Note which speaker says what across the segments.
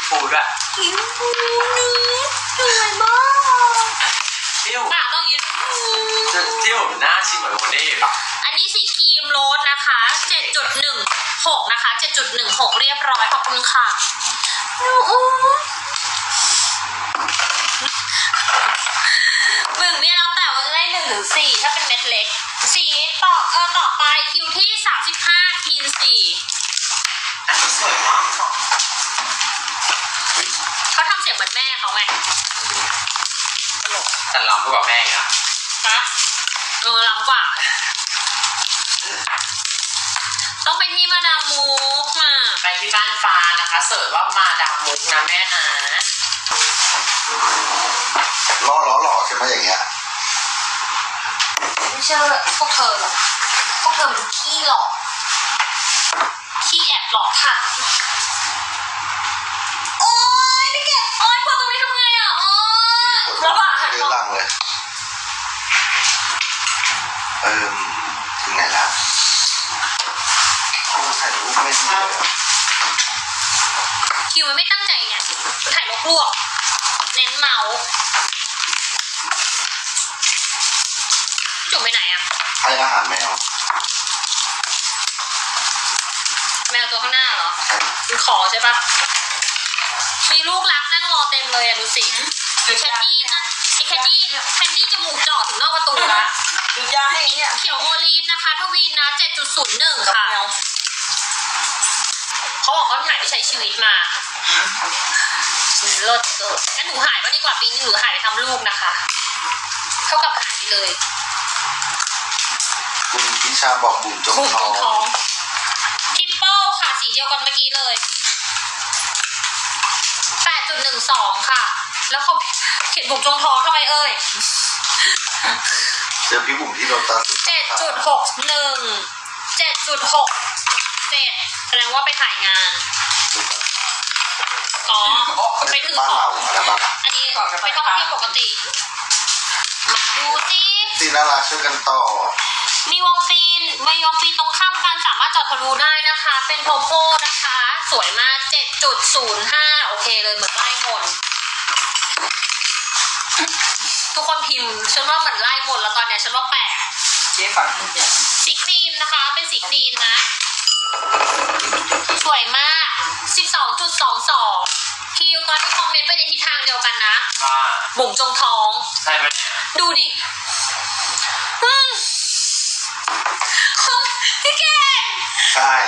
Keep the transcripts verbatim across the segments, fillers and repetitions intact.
Speaker 1: ฟูด้วย
Speaker 2: สีชมพูนี้สวยมาก
Speaker 1: ที่อยู่
Speaker 2: ปากต้องยืน
Speaker 1: ที่อยู่หน้าชิมเหมือนโมเน่ปะ
Speaker 2: อันนี้สีครีมโรสนะคะ เจ็ดจุดหนึ่งหก นะคะ เจ็ดจุดหนึ่งหก เรียบร้อยขอบคุณค่ะหนึ่งเนี่ยแล้วแต่ว่าจะได้หนึ่งหรือสี่ถ้าเป็นเม็ดเล็กสีต่อเออต่อไปคิวที่สามสิบห้าทีนสี่
Speaker 1: อันนี้สวยมาก
Speaker 2: เขาทำเสียงเหมือนแม่เขาไงตลก
Speaker 1: แต่ล้ำกว่าแม่อีกอะ
Speaker 2: ฮะเออล้ำกว่าต้องไปที่มาดามมุกมา
Speaker 1: ไปที่บ้านฟ้านะคะเสิร์ชว่ามาดามมุกนะแม่นะ
Speaker 3: ล้อล้อหล่อใช่ไหมอย่างเงี้ย
Speaker 2: ไม่เชื่อพวกเธอหรอกพวกเธอเป็นขี้หลอกขี้แอบหลอกค่ะโอ๊ยไม่เก็บโอ๊ยพอตรงนี้ทำไงอ่ะโอ๊ยแล้วอ่ะหันมอง
Speaker 3: เลยเออถึงไหนแล้วถ่ายรูปไม่ดีเลย
Speaker 2: คิวมันไม่ตั้งใจไงถ่ายลวกๆเน้นเมาส์จุ่มไปไหนอ่ะ
Speaker 3: ให้อาหารแมว
Speaker 2: แมวตัวข้างหน้าเหรอคือขอใช่ปะมีลูกรักนั่งรอเต็มเลยอ่ะดูสิแคนดี้นะไอแคนดี้แคนดี้จมูกจ่อถึงนอกประตูละ
Speaker 4: ดูยาให้เนี่ย
Speaker 2: เขียวโอลีฟนะคะทวีนนะ เจ็ดจุดศูนย์หนึ่ง ค่ะเขาบอกเขาหายไปใช้ชีวิตมาเลิศเกินงั้นหนูหายก็ดีกว่าปีนี้หนูหายไปทำลูกนะคะเท่ากับหายไปเลย
Speaker 3: คุณพิชาบอกบุ๋มจงทอง
Speaker 2: ทริปเปิลค่ะสีเดียวกันเมื่อกี้เลย แปดจุดหนึ่งสอง ค่ะแล้วเขาเขียนบุ๋มจงทองทำไมเอ่ย
Speaker 3: เจอพี่บุ๋มที่โรตัส
Speaker 2: เจ็ดจุดหกหนึ่ง เจ็ดจุดหกเจ็ด แสดงว่าไปถ่ายงานอ๋อไปถือของอันนี้ไปท่องเที่ยวปกติมาดูสิ
Speaker 3: ซีน่ารักช่วยกันต่อ
Speaker 2: มีวงฟีนมีวงฟีนตรงข้ามกันสามารถจอดทะลุได้นะคะเป็นโพโพนะคะสวยมาก เจ็ดจุดศูนย์ห้า โอเคเลยเหมือนไล่มนทุกคนพิมพ์ฉันว่าเหมือนไล่มนแล้วตอนนี้ฉันว่าแปลก
Speaker 4: เจ๊ฝังเนี่ย
Speaker 2: สีครีมนะคะเป็นสีครีมนะสวยมาก สิบสองจุดสองสอง คิวตอนที่คอมเมนต์ไปในทิศทางเดียวกันนะบุ๋มจงท้อง
Speaker 1: ใช่ไหมเนี่ย
Speaker 2: ดูดิพี่เก่ง
Speaker 3: ใช่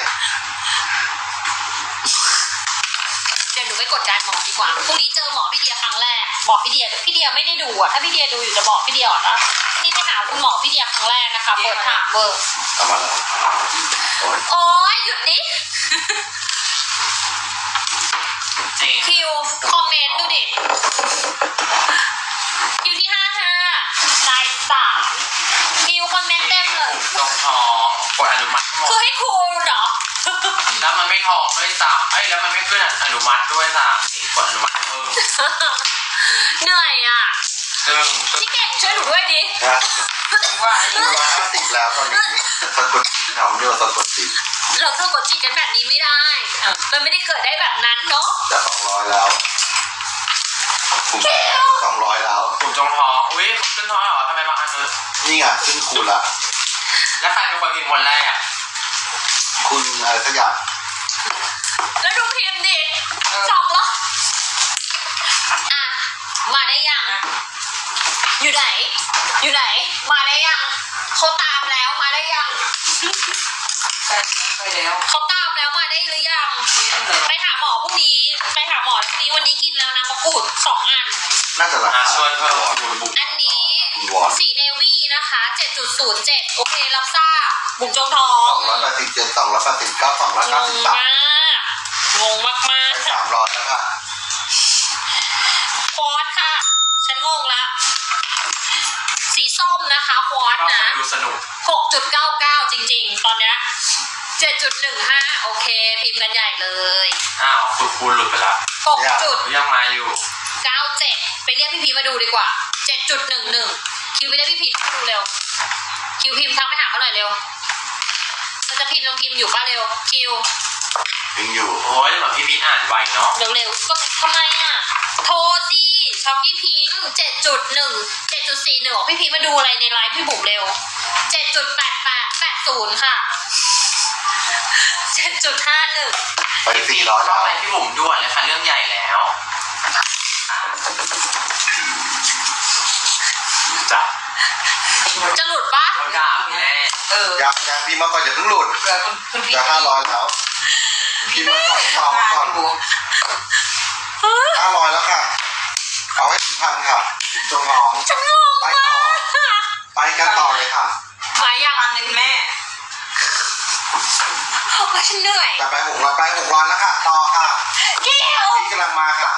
Speaker 2: เดี๋ยวหนูไปกดดันหมอดีกว่าพรุ่งนี้เจอหมอพี่เดียครั้งแรกบอกพี่เดียพี่เดียไม่ได้ดูอ่ะถ้าพี่เดียดูอยู่จะบอกพี่เดียก่อนนะนี่ไปหาคุณหมอพี่เดียครั้งแรกนะคะเปิดถามเบอร์
Speaker 3: ทำมาแล้ว
Speaker 2: โอ๊ยหยุดดิคิวคอมเมนต์ดูดิคิวที่ห้าห้าลายสามคิวคอมเมนต์เต็มเลย
Speaker 1: ตรงท้องกดอนุมัติ
Speaker 2: คือให้ครูเหรอ
Speaker 1: แล้วมันไม่ท้องด้วยซ้ำเอ้ยแล้วมันไม่ขึ้นอนุมัติด้วยซ้ำนี่กดอนุมัติเพิ่ม
Speaker 2: เหนื่อยอ่ะ
Speaker 1: ซึ่ง
Speaker 2: พี่เก่งช่วยหนูด้วยดิ
Speaker 3: ว่าหนึ่งร้อยห้าสิบแล้วตอนนี้สะกดจิตเราเนี่ยสะกดจิต
Speaker 2: เราสะกดจิตกันแบบนี้ไม่ได้มันไม่ได้เกิดได้แบบนั้นเนาะ
Speaker 3: จะสองร้อยแล้วสองร้อยแล้ว
Speaker 1: กลุ่มจงท้องอุ้ยขึ้นท้องเหรอทำไมบางอัน
Speaker 3: นี่ไงขึ้นคูณละ
Speaker 1: แล้วใครเป็นคนพิมพ์คนแรกอ่ะ
Speaker 3: คุณอะไรสักอย่าง
Speaker 2: แล้วดูพิมพ์ดิสองแล้วอ่ะมาได้ยังอยู่ไหนอยู่ไหนมาได้ยังเขาตามแล้วมาได้ยัง
Speaker 4: ไปแล้ว
Speaker 2: เขาตามแล้วมาได้หรือยังไปหาหมอพรุ่งนี้ไปหาหมอพรุ่งนี้วันนี้กินแล้วนะมะกรูดสองอัน
Speaker 3: น่าจะราคา
Speaker 1: ช่วยเพิ่ม
Speaker 2: อันนี้สีเนวี่นะคะ เจ็ดจุดศูนย์เจ็ด โอเครับทราบบุ๋มจงทอง
Speaker 3: สองร้อยแปดสิบเจ็ด สองร้อยแปดสิบเก้า สองร้อยเก้าสิบสาม
Speaker 2: งงมากมาก
Speaker 3: ไปสามร้อยแล้วค่ะ
Speaker 2: ควอตค่ะฉันงงละสีส้มนะคะควอตนะ
Speaker 1: ดูสนุก
Speaker 2: หกจุดเก้าเก้า จริงๆตอนเนี้ย เจ็ดจุดหนึ่งห้า โอเคพิมพ์กันใหญ่เลย
Speaker 1: อ้าวคุณคูณหลุดไปแล้ว
Speaker 2: หกจุด
Speaker 1: ยังมาอยู่
Speaker 2: เก้าเจ็ดไปเรียกพี่พีมาดูดีกว่า เจ็ดจุดหนึ่งหนึ่ง คิวไปเรียกพี่พีมาดูเร็วคิวพิมพ์ทักไปหาเขาหน่อยเร็วมันจะพิมพ์ลองพิมพ์อยู่ป่ะเร็วคิว
Speaker 3: ยังอยู่
Speaker 1: โอ้ยเหมือนพี่พีทอ่านไวเนาะ
Speaker 2: เร็วๆก็ทำไมอ่ะ โทรสิช็อกกี้พิงเจ็ดจุดหนึ่งเจ็ดจุดสี่หนึ่งบอกพี่พีทมาดูอะไรในไลฟ์พี่บุ๋มเร็วเจ็ดจุดแปดแปดแปดศูนย์ค่ะเจ็ดจุดห้าหนึ่ง
Speaker 3: ไปสี่ร้อยแล้ว
Speaker 1: ไปพี่บุ๋มด่วนเลยค่ะเรื่องใหญ่แล้วจ้ะ
Speaker 2: จะหลุดปะ
Speaker 1: เขาด่าแน่
Speaker 4: เออ
Speaker 3: ยังยังพี่มาก่อนอย่าเพิ่งหลุด
Speaker 4: เกิดคุณคุณพี่
Speaker 3: จะห้าร้อยแล้วพี่มาก่อนต่อมาก่อนห้าร้อยแล้วค่ะ เอาให้ถึงพันค่ะถึงจงหอม
Speaker 2: ฉันงง
Speaker 3: ไป
Speaker 2: มา
Speaker 3: ต่อก ไปกันต่อเลยค่ะ
Speaker 2: มายัง
Speaker 4: พันหนึ่งแม่
Speaker 2: ว่าฉันเหนื่อย
Speaker 3: จะไปหกร้อยไปหกร้อยแล้วค่ะ ต่อค่ะ
Speaker 2: เกี้ยว
Speaker 3: พี่กำลังมาค่ะ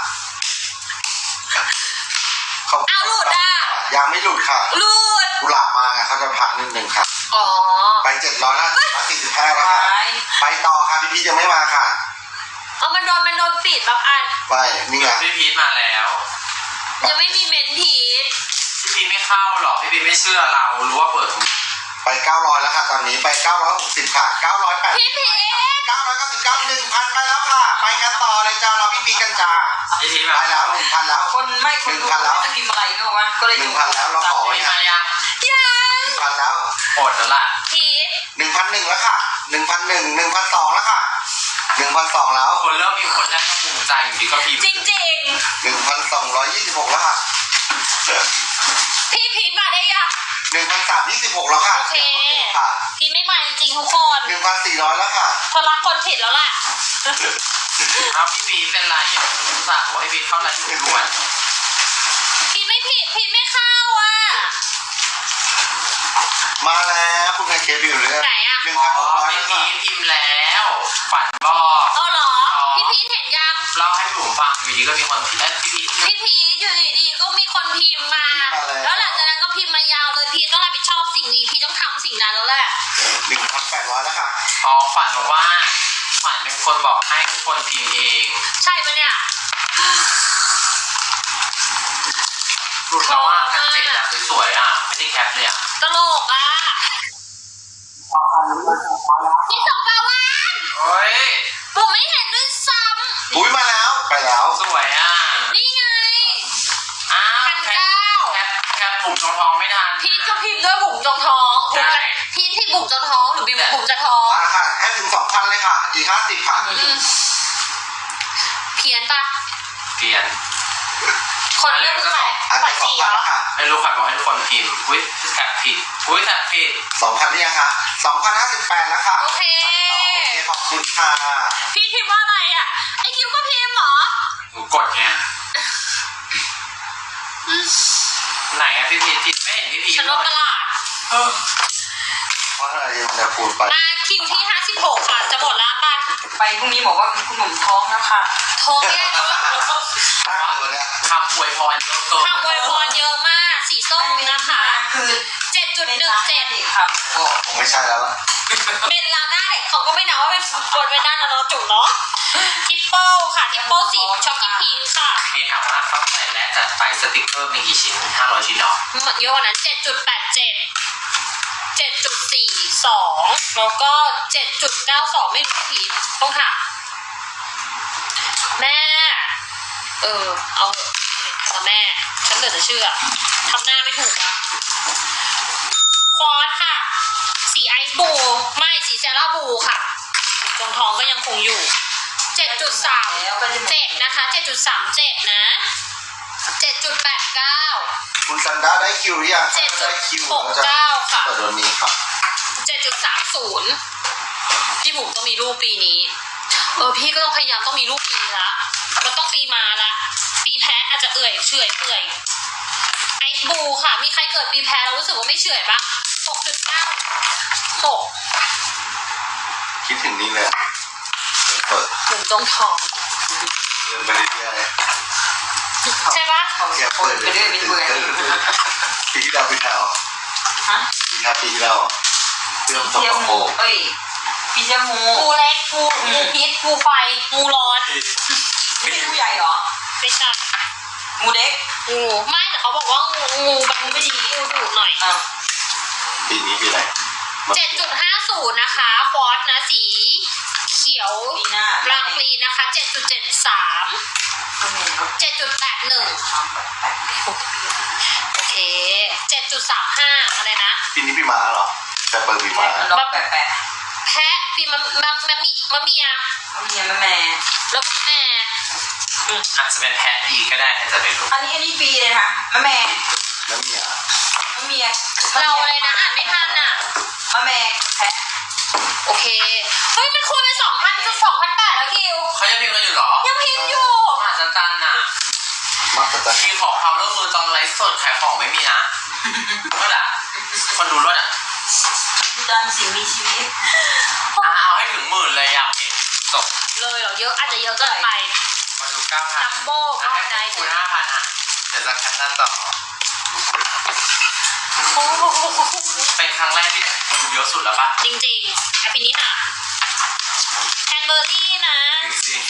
Speaker 3: ขบคุณ
Speaker 2: เอาหลุดอ่ะ
Speaker 3: ยังไม่หลุดค่ะ
Speaker 2: หลุด
Speaker 3: กุหลาบมาไงเขาจะพักนิดนึงค่ะ
Speaker 2: อ๋อ
Speaker 3: ไปเจ็ดร้อยแล้วร้อยสี่สิบห้าแล้ว
Speaker 4: ไป
Speaker 3: ค่ะ ไปต่อค่ะพี่พีชยังไม่มาค่ะ
Speaker 2: เอามันโดนมันโดนปิดแบบอัน
Speaker 3: ไปนี่ไง
Speaker 1: พี่พีทมาแล้ว
Speaker 2: ยังไม่มีเมนทีส
Speaker 1: พี่พีทไม่เข้าหรอกพี่พีทไม่เชื่อเรารู้ว่าเปิด
Speaker 3: ไปเก้าร้อยแล้วค่ะตอนนี้ไปเก้าร้อยหกสิบค่ะเก้าร้อยแปด
Speaker 2: พี่พีท
Speaker 3: เก้าร้อยเก้าสิบเก้าหนึ่งพันไปแล้วค่ะ ไปกันต่อเลยจ้าเราพี่พีชกันจ้า
Speaker 1: พี่พีท
Speaker 3: ไป
Speaker 1: มา
Speaker 3: แล้วหนึ่งพันแล้ว
Speaker 4: คนไม่คนดูไม่จะพิมพ์อะไรนึกว่าก็เลย
Speaker 3: หนึ่งพันแล้วเราขอ
Speaker 1: พี่มายัง
Speaker 2: ยัง
Speaker 3: หนึ่งพันแล้ว
Speaker 1: หมดแล้วล่ะ
Speaker 2: พีท
Speaker 3: หนึ่งพันหนึ่งแล้วค่ะหนึ่งพันหนึ่งหนึ่งพันสองแล้วค่ะหนึ่งพันสองแล้ว
Speaker 1: คนเริ่มมีคนแรกก็ภูมิใจอยู่ดีก็พิมพ์
Speaker 2: จริงจริง
Speaker 3: หนึ่งพันสองร้อยยี่สิบหกแล้วค่ะ
Speaker 2: ๆพี่พีทมาได้ยัง
Speaker 3: หนึ่งพันสามยี่สิบหกแล้วค่ะ
Speaker 2: โอเค
Speaker 3: ค่ะ
Speaker 2: พีทไม่มาจริงๆทุกคน
Speaker 3: หนึ่งพันสี่ร้อยแล้วค่ะ
Speaker 2: เธอรักคนผิดแล้วล่ะ
Speaker 1: เอาพี่พีทเป็นไรอ่ะคุณสั่งบอกให้พีทเข้าไลน์อยู่ด่วน
Speaker 2: พีทไม่ผิดพีทไม่เข้าอ่ะ
Speaker 3: มาแล้วคุณแพนเค้กอยู่เลย
Speaker 2: ไหนอะ
Speaker 3: หนึ่ง
Speaker 1: อ๋
Speaker 3: พันหกร้
Speaker 1: อ
Speaker 3: อย
Speaker 1: พี่
Speaker 3: แล้ว
Speaker 1: พี
Speaker 3: ค่ะ
Speaker 1: ทพิมพ์แล้วฝันบอก
Speaker 2: เอาเหรอ พี่พีทเห็นยัง
Speaker 1: เล่าให้พี่บุ๋มฟังอยู่ดีก็มีคนพิมพ์เอ้ยพี่พีท
Speaker 2: พี่พีทอยู่ดีๆก็มีคนพิมพ์มา แล้วหลังจากนั้นก็พิมพ์มายาวเลยพีทต้องรับผิดชอบสิ่งนี้พีทต้องทำสิ่งนั้นแล้วแหละ
Speaker 3: หนึ่งพันแปดร้อยแล้วค่ะ
Speaker 1: อ๋อฝันบอกว่าฝันเป็นคนบอกให้ทุกคนพิมพ์เอง
Speaker 2: ใช่ปะเนี่ย
Speaker 1: หลุดแล้วว่าแคปเจ็ดอะสวยๆอ่ะไม่ได้แคปเลยอ่ะ
Speaker 2: ตลกอ่ะพี่สองปาวาน
Speaker 1: เฮ้ย
Speaker 2: ผมไม่เห็นด้วยซ้
Speaker 3: อุ้ยมาแล้วไปแล้ว
Speaker 1: สวยอ่ะ
Speaker 2: ำนี่ไง
Speaker 1: อ้าว
Speaker 2: พัน
Speaker 1: แคป
Speaker 2: เก้า
Speaker 1: แคปแคปบุ๋มทองทองไม่ทัน
Speaker 2: พีทก็พิมพ์ด้วยบุ๋มจงท้องบุ๋ม
Speaker 1: ใช่
Speaker 2: จะพีทที่บุ๋มจงท้องหรือบิมบุ๋มจะท้อง
Speaker 3: มาค่ะให้ถึงสองพันเลยค่ะ อีกห้าสิบค่ะ
Speaker 2: อืมเพี้ยนปะ
Speaker 1: เปลี่ยน
Speaker 2: คนเลือกคือใคร
Speaker 3: อัน
Speaker 2: ฝั
Speaker 3: ไป
Speaker 2: น
Speaker 3: สอง
Speaker 2: สีเห
Speaker 3: พั
Speaker 2: ร
Speaker 3: น
Speaker 2: อ
Speaker 3: ค่ะ
Speaker 1: ไม่รู้ฝันบอกให้ทุกคนพิมพ์อุ้ยแคปผิดอุ้ยแคปผิด
Speaker 3: สองพันหรือยังคะสองพันห้าสิบแปดแล้วค่ะ
Speaker 2: โอเค
Speaker 3: โอเคขอบคุณค่ะ
Speaker 2: พีทพิมพ์ว่าอะไรอ่ะ ไอคิวก็พิมพ์เหรอ
Speaker 1: หนูกดไงไหนอะพี่พีทพิมพ์ไม่เห็นพี่พีท
Speaker 2: ฉันล
Speaker 1: เล
Speaker 2: งต
Speaker 1: ย
Speaker 2: ลาด
Speaker 1: เออ
Speaker 3: เพราะอะไรมันจะคูณไป
Speaker 2: มาคิวที่ห้าสิบหกค่ะ จะหมดแล้วป่ะ
Speaker 4: ไปพรุ่งนี้บอกว่าคุณหนุ่มท้องแล้วค่ะ
Speaker 2: ท้องแย่เนอะ
Speaker 3: ถ้าเกิดเนี่ย
Speaker 1: คำอวยพรเยอะเกิน
Speaker 2: ทำอวยพรเยอะมาก สีส้มนะคะ
Speaker 4: คือ
Speaker 2: เจ็ดจุดหนึ่งเจ็ด
Speaker 4: ค่ะ
Speaker 3: ผมไม่ใช่แล้วล่ะ
Speaker 2: เป็นลาหน้าเด็กเขาก็ไม่นับว่าเป็นคนเป็นด้านนะเนาะจุ๋มเนาะทิปเปิลค่ะทิปเปิลสีช็อกกี้พิงค่ะ
Speaker 1: มีถามว่าเข้าใจและจัดไปสติกเกอร์มีกี่ชิ้นห้าร้อยชิ้นหรอ
Speaker 2: เยอะกว่านั้นเจ็ดจุดแปดเจ็ดเจ็ดจุดสี่สองแล้วก็เจ็ดจุดเก้าสองไม่รู้ที่ผิดต้องถามแม่ เออ เอาเถอะเอาแม่ ฉันเหลือจะเชื่อทำหน้าไม่ถูกอะควอสค่ะ สีไอซ์บูไม่สีเซราบูค่ะจงทองก็ยังคงอยู่เจ็ดจุดสามเจ็ดนะคะเจ็ดจุดสามเจ็ดนะเจ็ดจุดแปดเก้า
Speaker 3: คุณซันด้าได้คิวหรือยัง
Speaker 2: เจ็ดจุ
Speaker 3: ได้
Speaker 2: ด
Speaker 3: คิว
Speaker 2: หก
Speaker 3: แล้วจะ
Speaker 2: เก้าค่ะ
Speaker 3: เปิดวันนี้ค่ะ
Speaker 2: เจ็ดจุดสามศูนย์พี่บุ๋มต้องมีลูกปีนี้ เออพี่ก็ต้องพยายามต้องมีลูกปีละมันต้องปีมาละปีแพ้อาจจะเอื่อยเฉอยเปื่อยไอซ์บูค่ะ มีใครเกิดปีแพ้เรารู้สึกว่าไม่เฉอยบ้างหกจุดเก้าหก
Speaker 3: คิดถึงนี่เลยเปิด
Speaker 2: บุ๋มจงทอง
Speaker 3: เดินไปเรื่อย
Speaker 2: ใช่ปะ
Speaker 3: ๆแกเปิด
Speaker 4: ไปเรื่อยไปเรื่อย
Speaker 3: ปีที่แล้วปีที่แล้ว
Speaker 4: ฮะ
Speaker 3: ปีที่แล้วปีที่แล้วเรื่องส
Speaker 4: เที่
Speaker 3: ก
Speaker 4: ยว
Speaker 3: ปรก
Speaker 4: เอ้ยพี่เจ้างู
Speaker 2: งูเล็กงูงูพิษงูไฟงูร้อน
Speaker 4: ไม่ใช่งูใหญ่เหรอ
Speaker 2: ไม่ใช่
Speaker 4: งูเด็ก
Speaker 2: งูไม่แต่เขาบอกว่างูงูมันไม่ดีงูดุหน่อย
Speaker 4: อ่ะ
Speaker 3: ปีนี้ปีอะไร
Speaker 2: เจ็ดจุดห้าศูนย์นะคะฟอสนะสีเขียว
Speaker 4: ปีหน้า
Speaker 2: รางปลีนะคะ เจ็ดจุดเจ็ดสาม เจ็ดจุดแปดหนึ่ง โอเค เจ็ดจุดสามห้า อะไรนะ
Speaker 3: ปีนี้พี่ม้าเหรอแต่เปิดพี่ม้า
Speaker 4: ล็อกแปะแปะ
Speaker 2: แพะปีมะมะมะมิมะเมีย
Speaker 4: มะเมียมะแม่
Speaker 2: แล้วก็แม่
Speaker 1: อาจจะเป็นแพะดีก็ได้ใครจะไปรู้
Speaker 4: อันนี้อันนี้ปีเลยค่ะมะแม่
Speaker 3: แล้วเมีย
Speaker 4: มะเมีย
Speaker 2: เราอะไรนะอ่านไม่ทันอ่ะ
Speaker 4: มะแม่แพะ
Speaker 2: โอเค เฮ้ย มันคูณไปสองพันจะสองพันแปดแล้วคิว
Speaker 1: เขายังพิมพ์กันอยู่เหรอ
Speaker 2: ยังพิมพ์อยู่
Speaker 1: มหัศจรรย์น่ะ
Speaker 3: มากกว่าจะ
Speaker 1: พี่ขอความร่วมมือตอนไลฟ์สดขายของไม่มีนะรถอ่ะคนดูรถอ่ะ
Speaker 4: คือตามสิ่งมีชีวิต
Speaker 1: อ่ะเอาให้ถึงหมื่นเลยอยากเห็นจบ
Speaker 2: เลยเหรอ เยอะอาจจะเยอะเกินไป
Speaker 1: มาดูเก้าพั
Speaker 2: จั
Speaker 1: น
Speaker 2: มโบ้ก็
Speaker 1: ให้
Speaker 2: ได้
Speaker 1: คูณห้าพันอ่ะเดี๋ยวจะแคปชั่นต่อ
Speaker 2: โอ้โห
Speaker 1: เป็นครั้งแรกที่คูณเยอะสุดแล้วปะ
Speaker 2: จริงๆอภินิหารแคนเบอร์รี่นะ
Speaker 1: จริง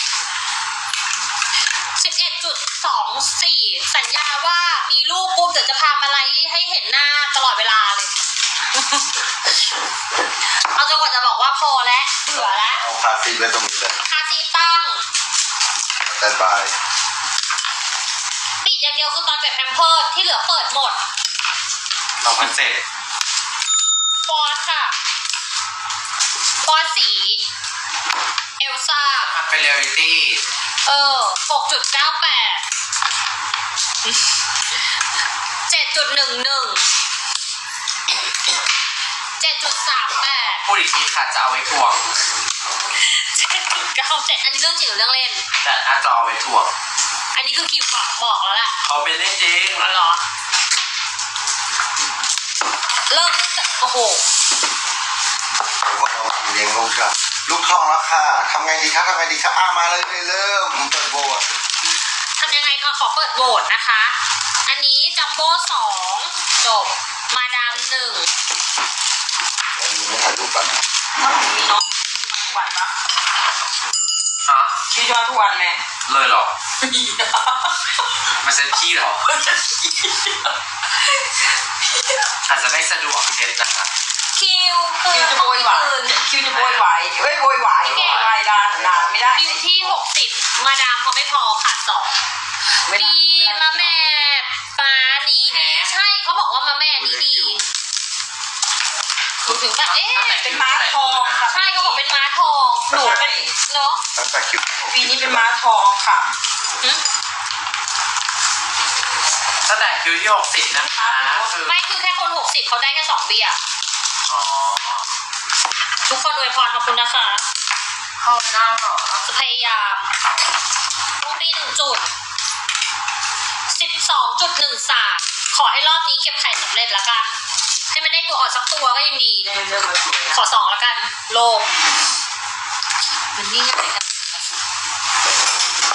Speaker 2: สิบเอ็ดจุดสองสี่ สัญญาว่ามีลูกปุ๊บเดี๋ยวจะพามาไลฟ์ให้เห็นหน้าตลอดเวลาเลย เอาจนกว่าจะบอกว่าพอแล้วเบื่อแล้ว
Speaker 3: เอาคาซีไว้ตรงนี้เลย
Speaker 2: คาซีตั้ง
Speaker 3: สแตนบาย
Speaker 2: ปิดอย่างเดียวคือตอนเปลี่ยนแพมเพิร์สที่เหลือเปิดหมด
Speaker 1: ๆสองพันเจ็ด
Speaker 2: ฟอสค่ะ ฟอสสี เอลซ่า
Speaker 1: ทำเป็นเรียลลิตี้
Speaker 2: เออ หกจุดเก้าแปด เจ็ดจุดหนึ่งหนึ่ง เจ็ดจุดสามแปด
Speaker 1: พูดอีกทีค่ะจะเอาไว้ทวง
Speaker 2: เจ็ดจุดเก้าเจ็ด อันนี้เรื่องจริงหรือเรื่องเล่น
Speaker 1: แต่น่าจะเอาไว้ทวง
Speaker 2: อันนี้คือคิวบอกบอกแล้วแหละ
Speaker 1: เขาเป็นเล่นจริง
Speaker 2: อ๋อเหรอ เริ่มตั้งแต่โอ้โห
Speaker 3: พวกเราเลี้ยงลูกค่ะลูกทองแล้วค่ะทำไงดีครับทำไงดีครับอ่ามาเลยเลยเริ่มเปิดโบสถ์
Speaker 2: ทำยังไงก็ขอเปิดโหวตนะคะ อันนี้จัมโบ้สองจบ มาดามหนึ่ง
Speaker 3: แล้วมีไม่ถ่ายรูปกันนะ
Speaker 4: ถ้าผมมีน้องทุกวันปะ
Speaker 1: ฮะ
Speaker 4: ชีวิตมาทุกวันแม่
Speaker 1: เลยเหรอมาเซ็นที่เหรออาจจะไม่สะดวกเด็ดนะคะ
Speaker 2: คิวคื
Speaker 4: คิ
Speaker 2: อ
Speaker 4: วจะโวยวายคิวจะโวยวายเอ้ยโวยวายโวยวายนานนานไม่ได้
Speaker 2: คิวที่หกสิบมาดามเขาไม่พอขาดสอง
Speaker 4: ไม่ได้
Speaker 2: ดีมาแม่ป้านี้ดี ใช่เขาบอกว่ามาแม่นี้ดีถึงแบบเอ๊ะ
Speaker 4: เป็นม้าทองค่ะ
Speaker 2: ใช่เขาบอกเป็นม้าทองหนูเป็นเนาะ
Speaker 3: ตั้งแต่คิว
Speaker 4: ปีนี้เป็นม้าทองค่ะ
Speaker 2: หึ
Speaker 1: ตั้งแต่คิวที่หกสิบนะคะคือ
Speaker 2: ไม่คือแค่คนหกสิบเขาได้แค่สองเบียร์
Speaker 1: อ๋อ
Speaker 2: ทุกคนอวยพรขอบคุณนะคะ
Speaker 1: เข้าหน้าเหรอ
Speaker 2: จะพยายามรูปีหนึ่งจุดสิบสองจุดหนึ่งสามขอให้รอบนี้เก็บไข่สำเร็จละกัน ให้มันได้ตัวอ่อนสักตัวก็ยังดี
Speaker 4: เริ่มเริ่มมาสวย
Speaker 2: ขอสองละกัน โลก มันนี่ง่ายกัน